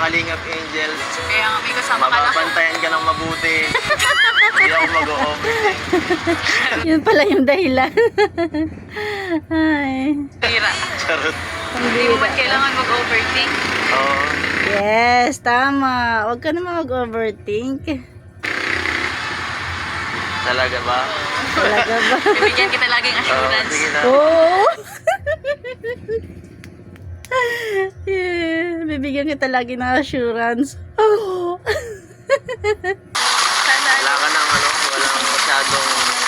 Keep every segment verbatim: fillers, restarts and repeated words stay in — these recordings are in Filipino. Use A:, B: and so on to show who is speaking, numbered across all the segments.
A: Kalingap Angels.
B: Kaya nga may kasama ka na.
A: Mababantayan ka ng mabuti. Hindi ako mag-o-overthink.
C: Yun pala yung dahilan. Ay.
B: Tira.
A: Charot.
B: Hindi mo man kailangan mag-overthink.
A: Oo.
C: Yes, tama. Huwag ka naman mag-overthink.
A: Talaga ba?
C: Talaga ba?
B: Bibigyan kita laging
A: Oo,
B: assurance.
A: sige na.
C: Oo. Yeah, bibigyan kita lagi ng assurance. Oh.
B: Sana
A: Wala ka nang ano, walang masyadong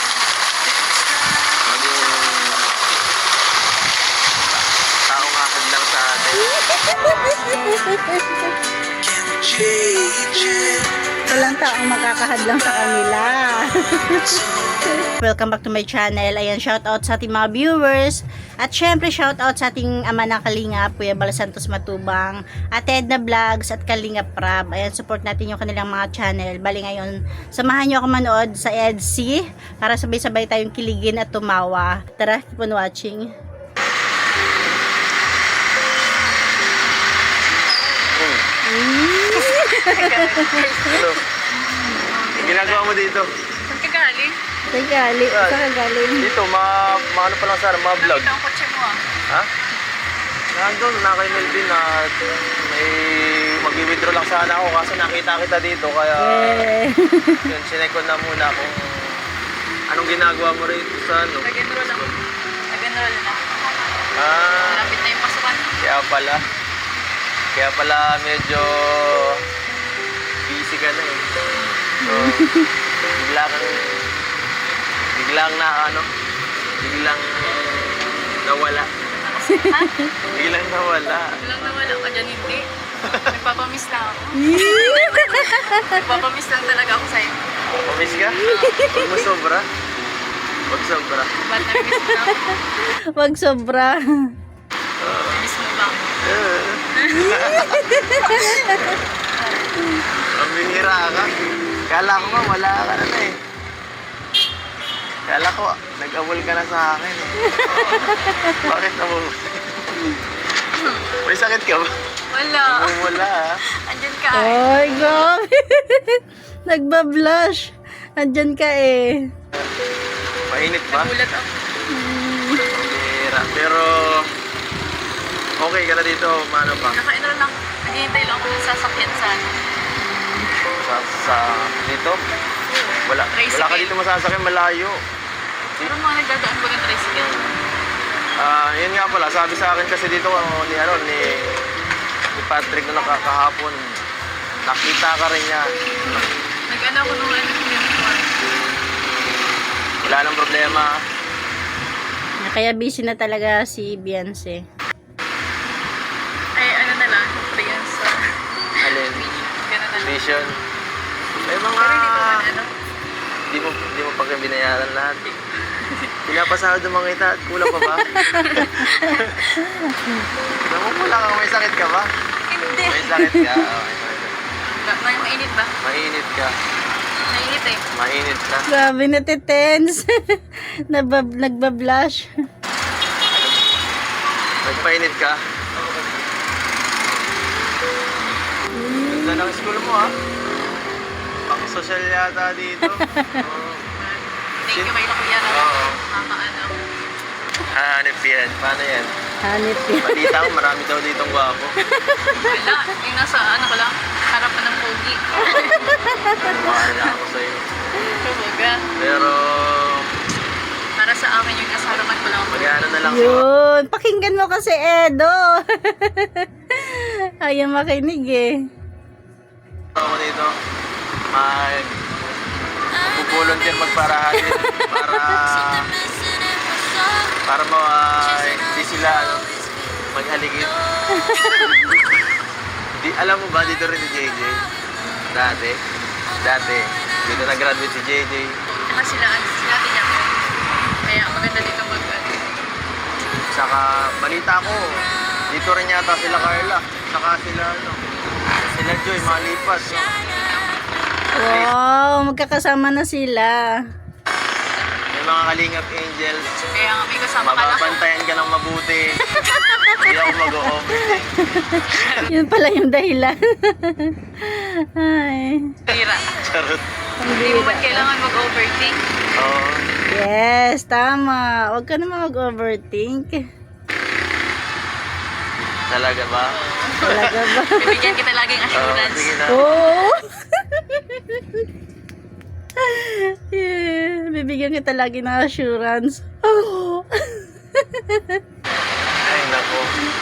A: maging taong akad lang sa atin.
C: Walang taong makakahadlang sa kanila. Welcome back to my channel. Ayan, shout out sa ating mga viewers. At syempre, shout out sa ating ama ng Kalingap, Kuya Bal Santos Matubang, Ate Edna Vlogs at Kalingap Prab. Ayan, support natin yung kanilang mga channel. Bali ngayon, samahan nyo ako manood sa E D C para sabay-sabay tayong kiligin at tumawa. Tara, keep on watching.
A: Ano? Ang ginagawa mo dito?
B: saan ka galing?
C: Saan galing? Saan ka galing?
A: Dito, ma, ma ano pa lang sana, mga vlog.
B: Nakita ang kotse mo ah.
A: Ha? Nandun, na kay Melvin na may mag-withdraw lang sana ako kasi nakita kita dito kaya
C: Eh.
A: yun, sinek ko na muna kung anong ginagawa mo rito sa ano.
B: Nag-enroll lang. Nag-enroll na.
A: Ah,
B: Malapit na yung pasukan.
A: kaya pala. Kaya pala medyo busy ka na eh. So, bigla kang biglang na ano, biglang nawala.
B: Ha?
A: Biglang nawala.
B: Walang nawala ka dyan, hindi. Nagpapamiss lang ako. Nagpapamiss lang talaga ako sa'yo.
A: Pamiss ka? Huwag mo sobra. Huwag sobra.
B: Ba't nag-miss mo na ako?
C: Wag sobra.
B: Miss mo ba ako?
A: Ang binira ka. Kala ko nga wala ka na eh. Kala ko nag-awol ka na sa akin eh. Bakit na mo? May sakit ka ba?
B: Wala.
A: Wala ah.
B: Andyan ka eh.
C: Ay, grabe. Nagbablush. Andyan ka eh.
A: Mainit ba?
B: Nagulat ako.
A: Binira. Pero okay ka na dito. Paano pa?
B: Naka-enroll lang. Naghihintay lang ako ng sasakyan sa ano.
A: Sa, sa dito? Wala. Wala ka dito masasakyan malayo.
B: Pero mga nagdadaan ba ng tricycle?
A: Ah, yun nga pala, sabi sa akin kasi dito oh, ni ano ni, ni Patrick na nakakahapon. Nakita ka rin niya.
B: Nag-ano ako nung ano yung
A: Wala nang problema.
C: Kaya busy na talaga si Beyonce.
B: ay ano na lang, friends sa
A: Alin?
B: gano'n na lang.
A: Vision. May mga
B: Pero hindi ko man ano.
A: di mo di mo pa kayo binayaran lahat. Eh. Pinapasahod ng mga kita at kulang pa ba? Namumula ka, may sakit ka ba?
B: Hindi.
A: May sakit ka. Oh, may sakit ka.
B: Ba- may mainit ba?
A: Mainit ka.
B: Mainit eh.
A: Mainit ka.
C: Grabe na tense. Nabab nagbablush.
A: Nagpainit ka. Ganda ng school mo ha. Pang social yata dito. Oo.
B: Thank you kay Kuya na.
A: Oo.
B: Mama ano.
A: Hanip yan. Paano yan?
C: Hanip yan.
A: Balita ko marami daw ditong gwapo.
B: Wala. Yung nasa ano ko lang. Harapan ng pogi.
A: Mahal na ako sa'yo.
B: Kabaga.
A: Pero
B: Para sa akin yung nasa harapan ko lang.
A: mag-ano na lang ako.
C: Yun. Pakinggan mo kasi Edo. Ayaw makinig eh.
A: Ako dito. Mag pupuluntin magparahatin para para ma hindi sila ano maghaligid. Di alam mo ba dito rin si J J? Dati. Dati. Dito nag-graduate si J J.
B: Saka sila, sila tiyak ko. Kaya maganda dito mag ano.
A: Saka balita ko dito rin yata sila Carla. Saka sila ano sila Joy malipas. No?
C: Wow, magkakasama na sila.
A: May mga Kalingap Angels.
B: Kaya nga may kasama ka lang.
A: Mababantayan ka ng mabuti. Hindi ako mag-overthink.
C: Yun pala yung dahilan. Ay.
B: Tira.
A: Charot.
B: Hindi mo ba't kailangan mag-overthink?
A: Oo.
C: Yes, tama. Huwag ka naman mag-overthink.
A: Talaga ba?
C: Talaga ba?
B: Bibigyan kita laging
A: Oo,
B: assurance.
A: sige na.
C: Oo. Yeah, bibigyan kita lagi ng assurance. Oh.
A: Ay, nako.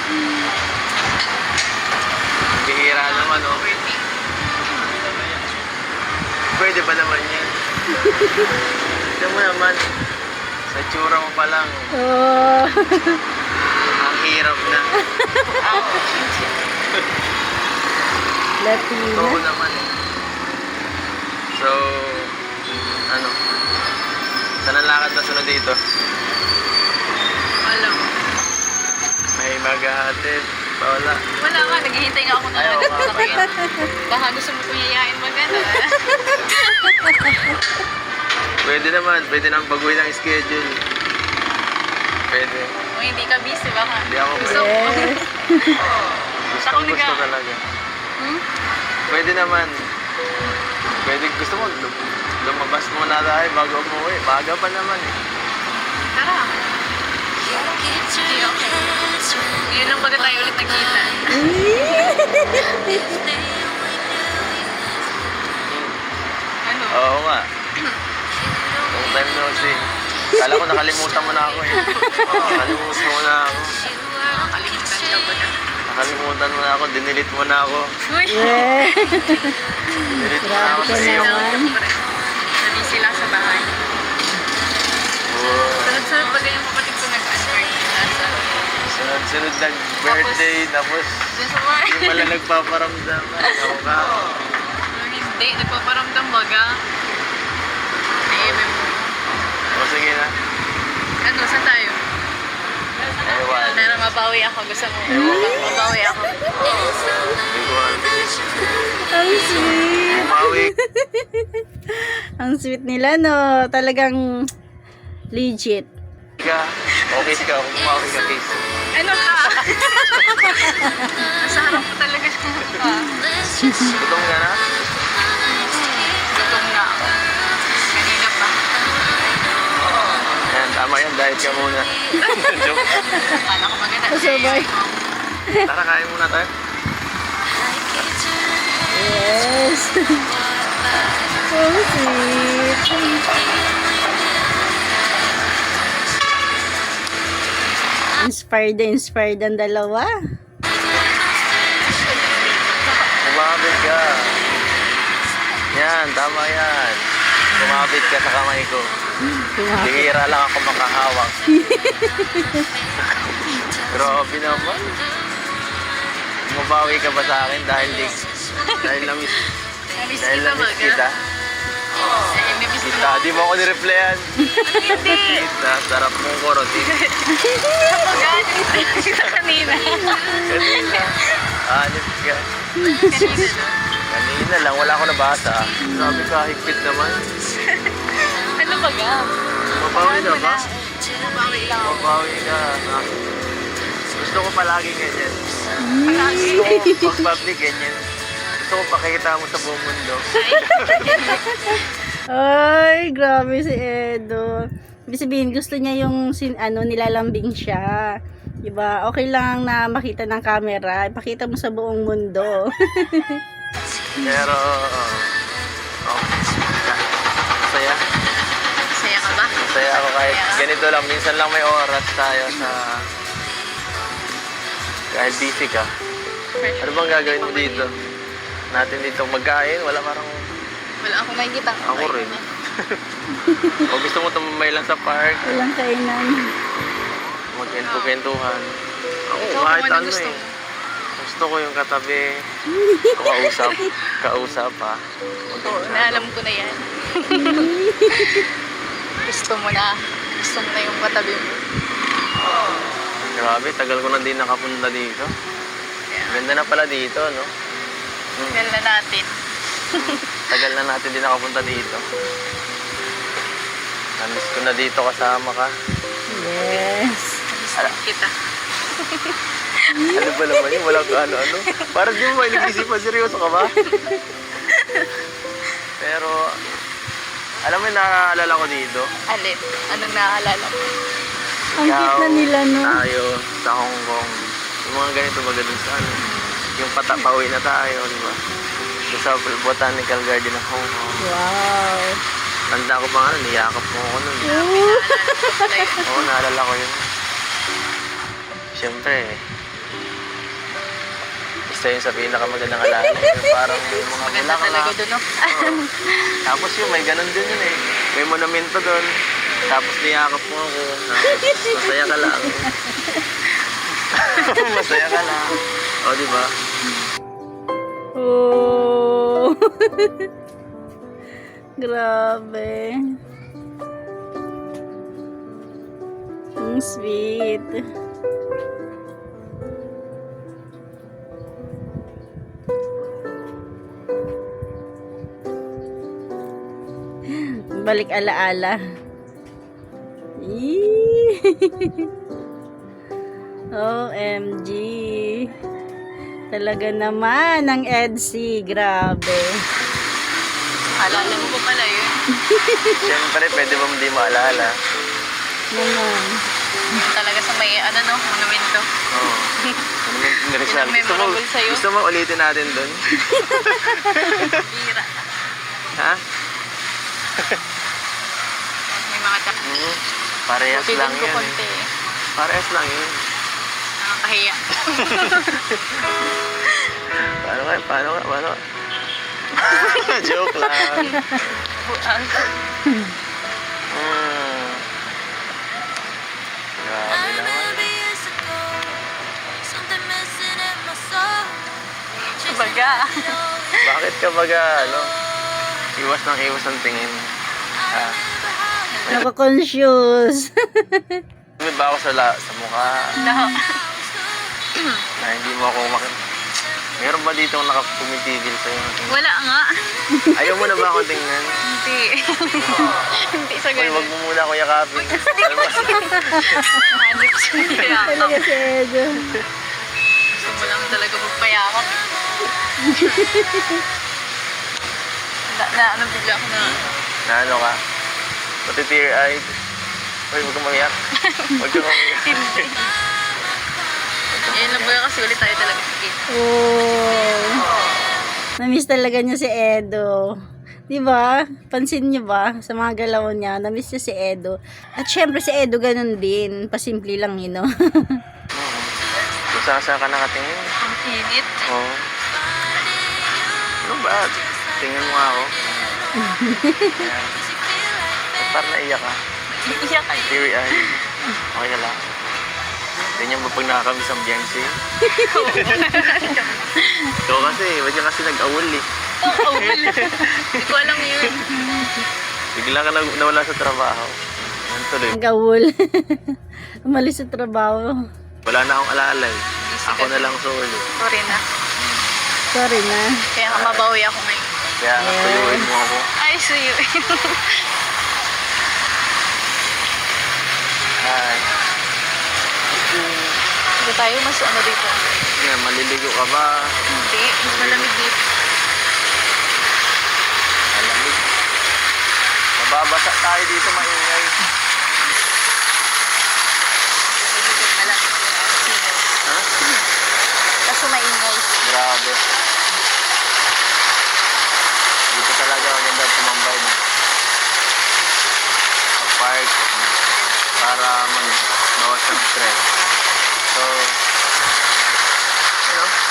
A: Ang bihira naman, oh.
B: Overthink.
A: Pwede ba naman yan? Tignan mo naman. Sa tsura mo pa lang,
C: Oh.
A: ang hirap na.
C: Latina.
A: Oo naman eh. So, ano? Saan ang lakad na sunod dito?
B: Wala.
A: May maghahatid. Wala.
B: Wala nga, naghihintay nga ako ng
A: Ayaw
B: ano
A: nga
B: sa kanya.
A: pala.
B: Baka gusto mo kong yayain magana.
A: Pwede naman. Pwede nang baguhin ang schedule. Pwede.
B: Kung hindi ka busy, baka.
A: Hindi ako
B: Gusto mo.
C: Yes.
A: Gusto
B: Ako
A: gusto
B: nag-
A: talaga.
B: Hmm?
A: Pwede naman. Pwede gusto mo. lum- Lumabas muna tayo bago umuwi. Baga pa naman eh.
B: Tara. Okay, okay. Ngayon lang baga tayo ulit nagkita. Ano?
A: Oo nga. Long time no see. Kala ko nakalimutan mo na ako eh. Nakalimutan mo na ako.
B: Nakalimutan ka ba na?
A: Nakalimutan mo na ako. Dinilit mo na ako.
B: Uy!
C: Yeah.
A: Dinilit mo na ako
C: Grabe
A: sa
C: ka
A: iyo.
C: naman.
B: Nabisi sila sa bahay.
A: Oo.
B: Sunod-sunod ba yung kapatid ko nag-answer? Nasa...
A: Sunod-sunod ng birthday. Tapos
B: Dun sa bahay.
A: hindi pala nagpaparamdam. Ako ka.
B: Hindi, nagpaparamdam baga. Naiiba mo.
A: O sige na.
B: Ano, saan tayo?
A: Ewan.
B: Para mabawi ako. Gusto mo? Mabawi ako.
A: Hindi ko alam.
C: Ang sweet.
A: Umawi.
C: Ang sweet nila, no? Talagang legit.
A: ka. Okay ka. Umawi ka, Case.
B: Ano ka? Nasa harap ko talaga siya.
A: Gutom ka na?
B: Gutom na ako. Kanina pa.
A: Yan, tama yan. Diet ka muna. Joke.
B: Paano ko maganda?
C: Kasabay.
A: Tara, kain muna tayo.
C: Yes. So sweet. Inspired na inspired ang dalawa.
A: Kumapit ka. Yan, tama yan. Kumapit ka sa kamay ko.
C: Kumapit.
A: Bihira lang ako makahawak. Grabe naman. Mabawi ka ba sa akin dahil di, dahil namiss,
B: Namiss
A: dahil
B: kita
A: namiss
B: baga.
A: kita?
B: Eh, namiss mo.
A: Kita, di mo ako nireplyan.
B: Hindi.
A: Kita, sarap mong korotin.
B: Baga, namiss kita kanina.
A: Kanina. Anip ka.
B: Kanina no?
A: Kanina lang, wala ako nabasa. Grabe ka, higpit naman.
B: Ano baga?
A: Mabawi na ba?
B: Mabawi lang ako.
A: Mabawi ka. Ah, Gusto ko palagi ganyan.
B: Palagi.
A: Gusto ko pag public ganyan. Gusto ko pakita mo sa buong mundo.
C: Ay, grabe si Edo. Ibig sabihin, gusto niya yung sin, ano, nilalambing siya. Diba? Okay lang na makita ng camera. Ipakita mo sa buong mundo.
A: Pero, oh, saya.
B: Saya ka ba?
A: Saya ako kahit ganito lang. Minsan lang may oras tayo sa... Kahit busy ka. Ano bang gagawin mo dito? Natin dito magkain? Wala parang...
B: Wala akong makikita.
A: Ako rin. O gusto mo tumambay lang sa park?
C: Walang kainan.
A: Magkento-kentuhan. Ako,
B: Ikaw
A: kahit
B: kung ano
A: ano
B: gusto
A: eh.
B: mo.
A: Gusto ko yung katabi. Kausap. Kausap ha.
B: Oo, naalam ko na yan. Gusto mo na. Gusto mo na yung katabi mo.
A: Grabe, tagal ko na din nakapunta dito. Ganda na pala dito, no? Hmm.
B: Tagal na natin.
A: Tagal na natin din nakapunta dito. Namiss ko na dito kasama ka.
C: Yes.
B: Gusto kita.
A: Ano ba naman yun? Walang ano-ano. Parang di mo ba nag-isipan? Seryoso ka ba? Pero, alam mo yung naaalala ko dito?
B: Alin? Anong naaalala mo?
C: Ang cute na nila, no?
A: Tayo sa Hong Kong. Yung mga ganito ba ganun sa ano? Yung pata, pauwi na tayo, di ba? Yung sa Botanical Garden ng Hong Kong.
C: Wow.
A: Tanda ko pa nga, nun, niyakap mo ako nun.
B: Naalala ko pala yun.
A: Oo, naalala ko yun. Siyempre, isa yun sa pinakamagandang alala. Yung parang yung mga
B: Maganda
A: bulaklak.
B: talaga doon, no?
A: Oo. Tapos yun, may ganun din yun eh. May monumento doon. Tapos niyakap mo ako. Tapos masaya ka lang. Masaya ka lang. O, di ba?
C: Oh. Grabe. Ang sweet. Balik alaala. Eee. O M G. Talaga naman ang Edsy. Grabe.
B: Alala mo pa pala yun.
A: Siyempre, pwede ba hindi maalala?
C: Naman.
B: Talaga sa may, ano no, monumento.
A: Oo. Monumento ni Rizal.
B: Yun ang
A: Gusto mo,
B: memorable sa'yo?
A: gusto mo ulitin natin doon?
B: Bira.
A: Ha?
B: May mga tak.
A: Mm. Parehas
B: Buti
A: lang
B: din ko
A: yun.
B: konti
A: Eh.
B: eh.
A: Parehas lang yun.
B: Nakakahiya.
A: Paano ka? Paano ka? Paano ka? Joke lang.
B: Buang.
A: Mm. Grabe naman.
B: Baga.
A: Bakit ka baga, ano? Iwas ng iwas ang tingin. Ha?
C: Nako-conscious.
A: May ba ako sa, la, sa mukha
B: No.
A: na hindi mo ako mak... Meron ba dito nakapumitigil sa'yo?
B: Wala nga.
A: Ayaw mo na ba akong tingnan?
B: Hindi. Hindi sa
A: Uy,
B: ganun.
A: wag mo muna ako yakapin. Alam mo,
B: Hanip siya.
C: Talaga si Edo.
B: Gusto mo lang talaga magpayakap. na, na, ano bigla ako na,
A: na ano ka? Pati tear-eyed. Uy, wag kang umiyak. Wag kang umiyak.
B: hindi. Ayun lang ba kasi ulit tayo talaga sige.
C: Oh. Namiss talaga niya si Edo. Di ba? Pansin niyo ba? Sa mga galaw niya, namiss niya si Edo. At syempre si Edo ganun din. Pasimple lang yun, no?
A: Oo. Kung saan saan ka nakatingin.
B: Ang init.
A: Oo. Ano ba? Tingnan mo nga ako. Ayan. Ba't parang naiyak ka?
B: Iiyak kayo.
A: Teary-eyed. Okay ka lang. Ganyan ba pag nakakamiss ang Beyonce? Ikaw kasi, ba't ka kasi nag-awol eh.
B: Oo, wala. Hindi ko alam yun.
A: Bigla ka na- nawala sa trabaho. Yan tuloy.
C: Ang gawul. Umalis sa trabaho.
A: Wala na akong alalay. Ako na lang solo.
B: Sorry na.
C: Sorry na.
B: Kaya nga mabawi ako ngayon.
A: Kaya nga
C: Yes.
A: tuyuin mo ako.
B: Ay, suyo.
A: Ay.
B: Hindi tayo mas ano dito.
A: Yan, maliligo ka ba?
B: Hindi. Mas malamig dito.
A: Malamig. Mababasa tayo dito, maingay.
B: Dito malamig yung ano, sino.
A: Ha?
B: Kaso maingay.
A: Grabe. Dito talaga maganda tumambay na. Sa park. Para mag-bawas ng stress. So, you know,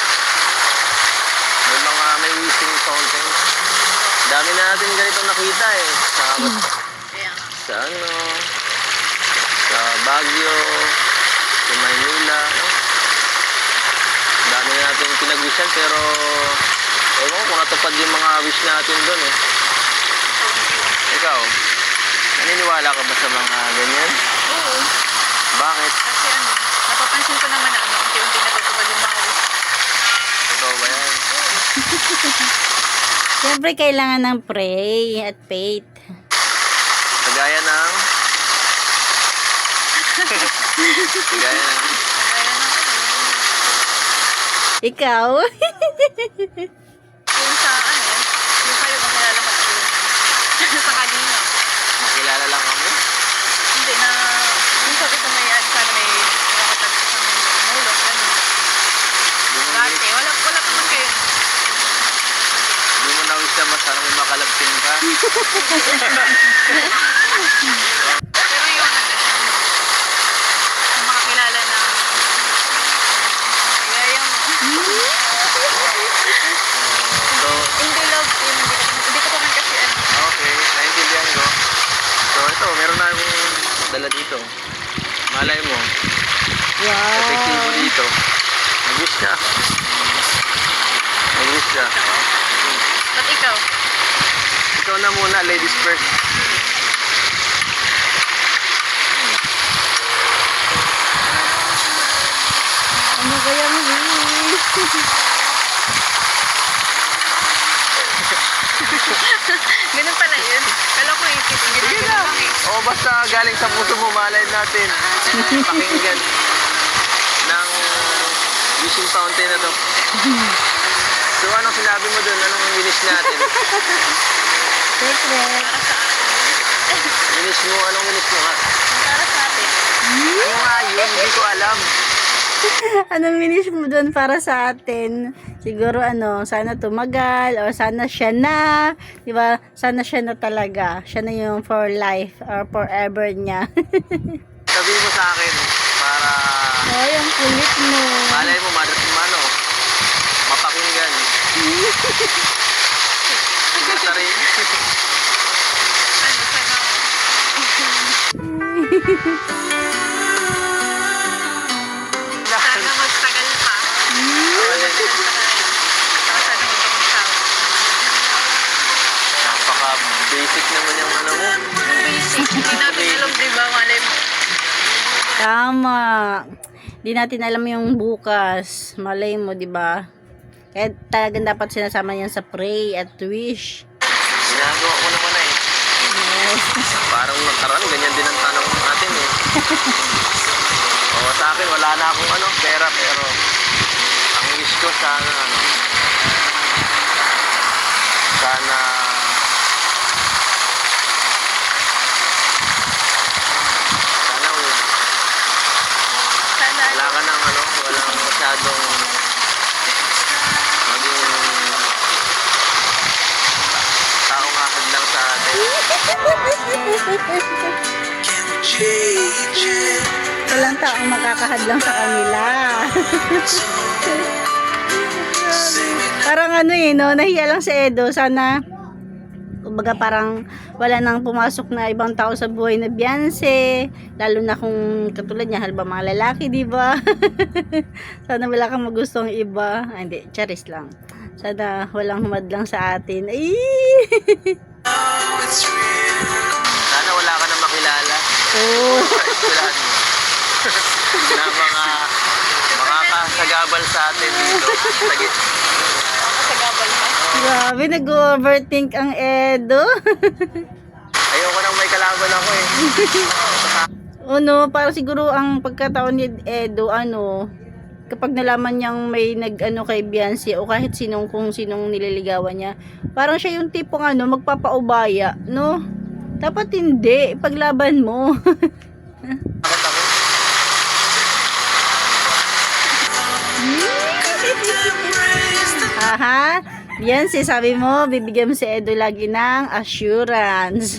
A: may mga may wishing fountain. Dami na natin ganito nakita eh. Sa,
B: Kaya nga.
A: sa ano, sa Baguio, sa Maynila, no? Dami na natin pinag-wishan pero ewan ko kung natupad yung mga wish natin doon eh. Ikaw, naniniwala ka ba sa mga ganyan?
B: Oo.
A: Bakit?
B: Kasi ano, napapansin ko naman na ano, unti-unti natutupad yung mga wish.
A: Totoo ba yan?
C: Siyempre kailangan ng pray at faith.
A: Kagaya ng... Kagaya ng...
B: Kaya na ano,
C: Ikaw?
B: Yung sa ano, yung kayo makilala ko po yun. Sa kanina.
A: Makilala lang kami.
B: Hindi na, yung sabi ko may ano, sana may makatagpo sa mga tumulong, gano'n. Dati, wala, wala pa man kayo.
A: Hindi mo na-wish na masarang may makalagpin ka.
B: Pero yung ano, yung makakilala na, kaya yung,
A: So,
B: hindi love team, hindi ko, hindi ko pa man kasi ano,
A: okay, naintindihan ko. So, ito, meron na akong dala dito. Malay mo, epektibo
C: Wow.
A: dito. Nag-wish ka. Nag-wish ka.
B: ba't ikaw?
A: Ikaw na muna, ladies first.
C: Ano kayang wish?
B: Ganun pala yun. Kala ko isip,
A: Sige na.
B: ginagawa lang eh.
A: O basta galing sa puso mo, malay natin. Pakinggan ng wishing fountain na to. So anong sinabi mo dun? Anong wish natin?
C: Secret.
B: Para sa atin.
A: Wish mo, anong wish mo nga?
B: Para sa atin.
A: Ano nga yun? Hindi ko alam.
C: Anong wish mo doon para sa atin? Siguro ano, sana tumagal or sana siya na, 'di ba? Sana siya na talaga. Siya na yung for life or forever niya.
A: Sabihin mo sa akin para
C: Ay, ang kulit mo.
A: malay mo, madat mo ano, mapakinggan. Sigurta rin.
B: Ano, sana, sana magtagal pa. Saka sana magpapagsawa.
A: Napaka-basic naman yung ano mo.
B: Yung basic, hindi natin alam, di ba, malay mo.
C: Tama. Di natin alam yung bukas. Malay mo, 'di ba? Kaya talagang dapat sinasama yan sa pray at wish.
A: Ginagawa ko naman na eh.
C: Yes.
A: Parang nakaraan, ganyan din ang tanong natin eh. O sa akin, wala na akong ano, pera, pero ang wish ko sana ano, sana sana wala
B: Sana,
A: wala ka nang ano, walang masyadong maging taong ahad lang sa atin.
C: Walang taong makakahadlang sa kanila. Parang ano eh, no? Nahiya lang si Edo. Sana, kumbaga parang wala nang pumasok na ibang tao sa buhay na Beyonce. Lalo na kung katulad niya, halba mga lalaki, di ba? Sana wala kang magustong iba. Ah, hindi, charis lang. Sana walang humadlang sa atin. Ay!
A: Sana wala ka na makilala.
C: Oh.
A: Sa eskwelahan mo. Na mga makakasagabal sa atin dito. Sige.
B: makasagabal ka.
C: Grabe, nag-overthink ang Edo.
A: Ayoko nang may kalaban ako eh.
C: Ano, para siguro ang pagkataon ni Edo, ano, kapag nalaman niyang may nag-ano kay Beyonce o kahit sinong kung sinong nililigawan niya, parang siya yung tipong ano, magpapaubaya, no? Dapat hindi, paglaban mo.
A: Bakit ako?
C: Aha, Beyonce, sabi mo, bibigyan mo si Edo lagi ng assurance.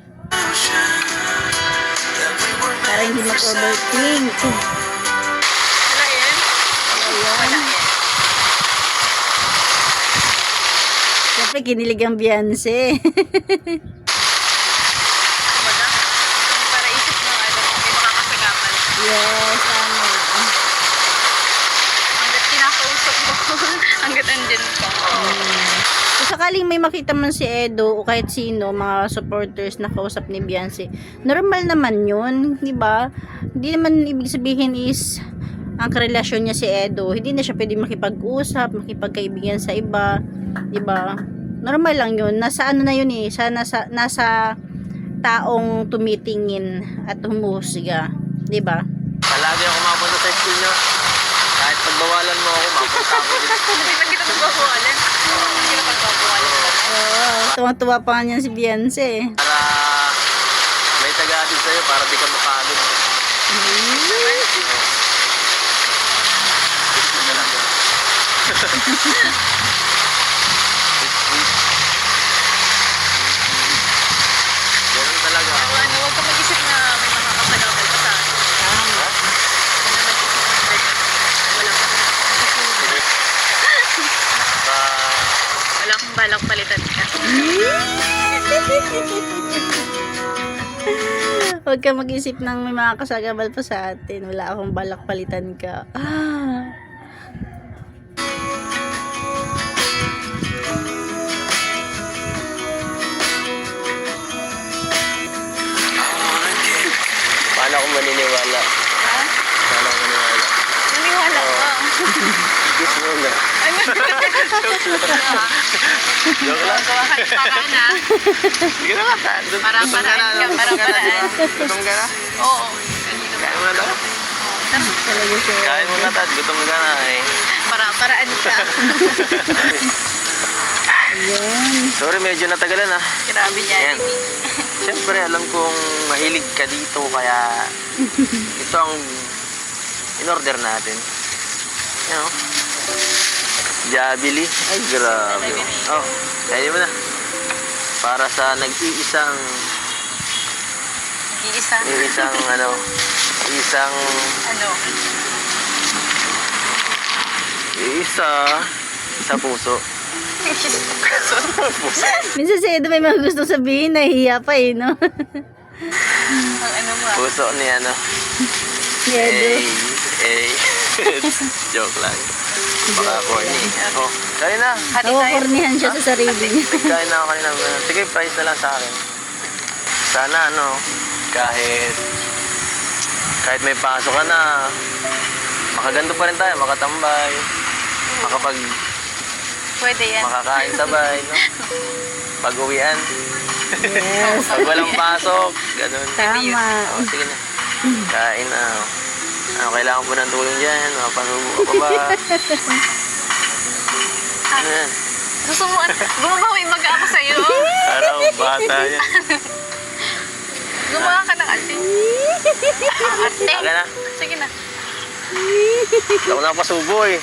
C: Para hindi mag-overthink.
B: Wala yan? Wala yan.
C: Siyempre, kinilig ang Beyonce.
B: Kumbaga, yung para isip mo, ano, may makakasagabal.
C: Yes, tama.
B: Hanggat kinakausap mo, hanggat andyan ka.
C: Kung sakaling may makita man si Edo o kahit sino, mga supporters na kausap ni Beyonce, normal naman yun, di ba? Hindi naman ibig sabihin is ang karelasyon niya si Edo, hindi na siya pwede makipag-usap, makipagkaibigan sa iba, di ba? Normal lang yun. Nasa ano na yun eh, sa, nasa, nasa taong tumitingin at humusga, di ba?
A: Palagi ako mapunta sa school nyo. Kahit pagbawalan mo ako, mapunta ako
C: tuwang-tuwa pa nga niyan si Beyonce.
A: Para may taga-atid sa'yo para di ka makagod. Ganun talaga.
B: Pero ano, huwag ka mag-isip na may makakasagabal pa sa akin.
A: Ha?
B: Kung na nag-isip ng ganyan, wala ka
A: Nakaka...
B: wala kang balak palitan ka.
C: Huwag ka mag-isip ng may mga kasagabal pa sa atin. Wala akong balak palitan ka. Ah.
A: Paano ako maniniwala?
B: Ha?
A: Paano ako maniniwala?
B: Naniwala ka.
A: Kiss mo na.
B: Ano?
A: Joke lang.
B: Gawa ka ng paraan ha.
A: Sige na nga. Gutom
B: Parang
A: ka na,
B: paraan
A: no?
B: ka, parang
A: Gutom ka na,
B: paraan.
A: di ba? Gutom ka na?
B: Oo.
A: Kain mo na daw.
C: Talaga siya.
A: Kain mo na, Tat. Gutom ka na eh.
B: Parang paraan ka.
C: Yan.
A: Sorry, medyo natagalan ah.
B: Grabe niya.
A: Ayan. Siyempre, alam kong mahilig ka dito, kaya ito ang in-order natin. Yan o. Jabili. Ay, grabe. Oh, kaya mo na. Para sa nag-iisang,
B: Iisa.
A: isang ano, isang,
B: Ano?
A: isa, sa puso. Puso.
C: Minsan si Edo may mga gusto sabihin, nahihiya pa eh, no?
B: Ang ano mo ah.
A: Puso ni ano.
C: Ni Edo.
A: Eh, eh. Joke lang. Baka corny. Oh, kaya na.
B: Hati tayo.
C: Nakukornihan siya sa sarili niya.
A: Kain na ako kanina. Sige, price na lang sa akin. Sana ano, kahit kahit may pasok ka na, makaganto pa rin tayo, makatambay, makapag
B: Pwede yan.
A: makakain sabay, no? Pag-uwian.
C: Yes.
A: Pag walang pasok, ganun.
C: Tama.
A: Oh, sige na. Kain na. Ano, kailangan po ng tulong dyan. Mapanubo ka pa ba? Ano yan?
B: Gusto mo, gumabawi mag ako sa'yo.
A: Araw, bata yan.
B: Gumawa ka ng ate. Ate.
A: Aga na.
B: Sige na.
A: Hindi ako nakapasubo eh.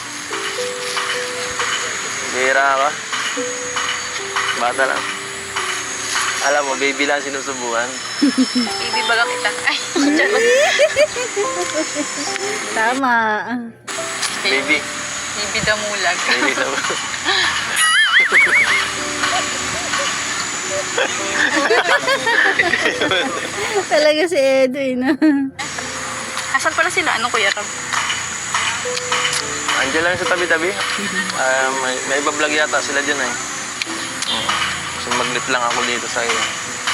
A: Bira ka. Bata lang. Alam mo, baby lang sinusubuan.
B: Ibibaga kita. Ay, charot.
C: Tama.
A: Baby.
B: Bibi damulag.
A: Baby lang.
C: Talaga si Edo eh, no?
B: Asan pala sila? Anong kuya ka?
A: Andiyan lang sa tabi-tabi. Ah, may, may iba vlog yata sila dyan eh. Hmm. So maglit lang ako dito sa iyo.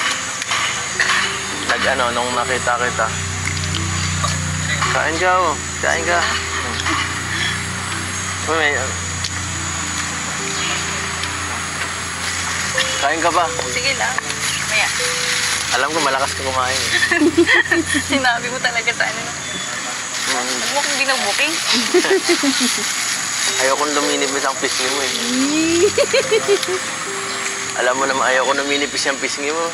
A: Nag ano, nung nakita kita. Kain ka oh. Kain ka. Hmm. Uy, may... Kain ka pa.
B: Sige lang. Maya.
A: Alam ko malakas ka kumain eh.
B: Sinabi mo talaga sa ano.
A: Hmm.
B: Huwag mo kong binabuking.
A: Ayokong luminipis ang pisngi mo eh. Alam mo naman, ayoko luminipis ang pisngi mo.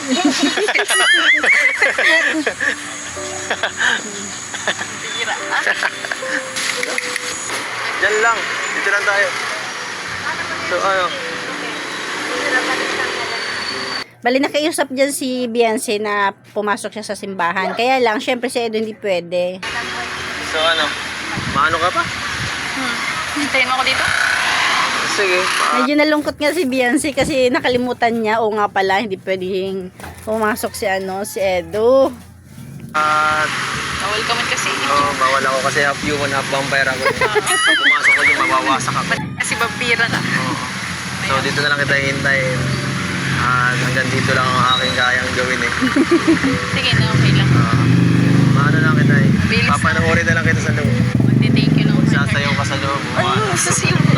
B: Bira. Ah?
A: Diyan lang. Dito lang tayo. So, ano?
C: Bali nakiusap dyan si Beyonce na pumasok siya sa simbahan. Kaya lang, syempre si Edo hindi pwede.
A: So, ano? Maano ka pa?
B: Hmm. Hintayin mo ako dito?
A: Sige. Pa.
C: Medyo nalungkot nga si Beyonce kasi nakalimutan niya. O nga pala, hindi pwedeng pumasok si ano, si Edo.
A: At,
B: Bawal ka man kasi.
A: oh, bawal ako kasi half human, half vampire ako. Pag pumasok ko dyan, mabawasak ako.
B: Kasi vampira ka.
A: Oo. So, dito na lang kita hintayin. At hanggang dito lang ang aking kayang gawin eh.
B: Sige na, okay lang.
A: Uh, maano lang kita eh.
B: Bilis na.
A: Papanoorin na lang kita sa loob.
B: Magti-thank you lang.
A: Sasayaw ka sa loob.
B: Ano? Sasiyo mo.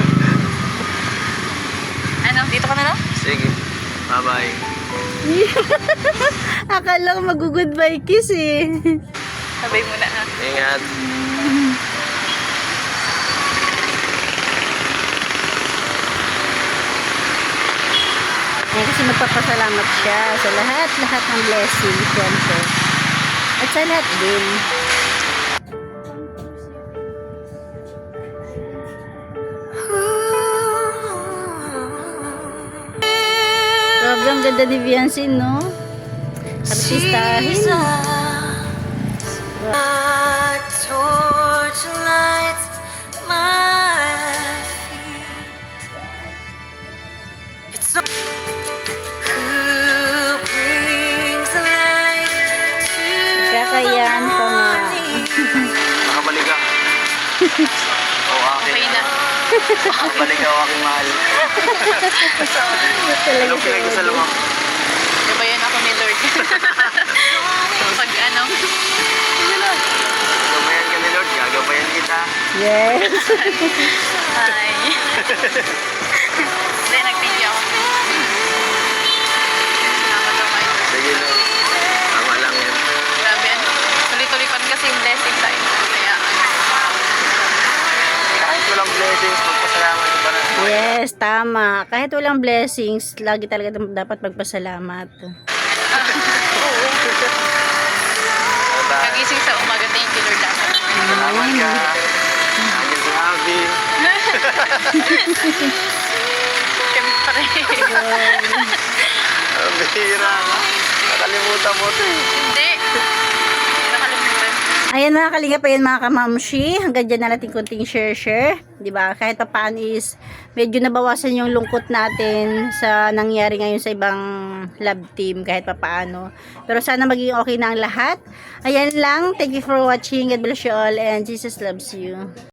B: Ano? Dito ka na lang?
A: Sige. Bye-bye.
C: Akala ko mag-goodbye kiss eh.
B: Sabay mo na ha.
A: Ingat.
C: Ayan, kasi magpapasalamat siya sa lahat-lahat ng blessing, syempre. At sa lahat din. Sobrang ganda ni Beyonce, no? Artistahin.
D: A torch lights my feet. It's so who brings the light to
C: Kakayan ko nga.
A: Nakabalik ka. Oo, akin.
B: Okay na.
A: Nakabalik ka, aking mahal.
C: Talaga
A: Anong pinag-usal mo?
B: Gabayan ako ni Lord. Pag ano,
A: Gagabayan ka ni Lord, gagabayan kita.
C: Yes.
B: hi. Hindi, nag-thank you ako. Salamat ako kay Lord.
A: Sige Lord. Tama lang yan.
B: Grabe ano. Tuloy-tuloy pa rin kasi yung blessing sa inyo. Kaya ano.
A: Kahit walang blessings, magpasalamat ka pa rin.
C: Yes, tama. Kahit walang blessings, lagi talaga dapat magpasalamat.
B: Kagising sa umaga, thank you Lord dapat.
A: Salamat ka. Nandiyan si Abby.
B: Siyempre.
A: Ang bihira. Nakalimutan mo ito eh.
B: Hindi. Hindi nakalimutan.
C: Ayan mga kalingap, ayan mga kamamshi. Hanggang dyan na natin kunting share-share. Diba? Kahit pa paano is medyo nabawasan yung lungkot natin sa nangyari ngayon sa ibang love team kahit pa paano. Pero sana maging okay na ang lahat. Ayan lang. Thank you for watching. God bless you all and Jesus loves you.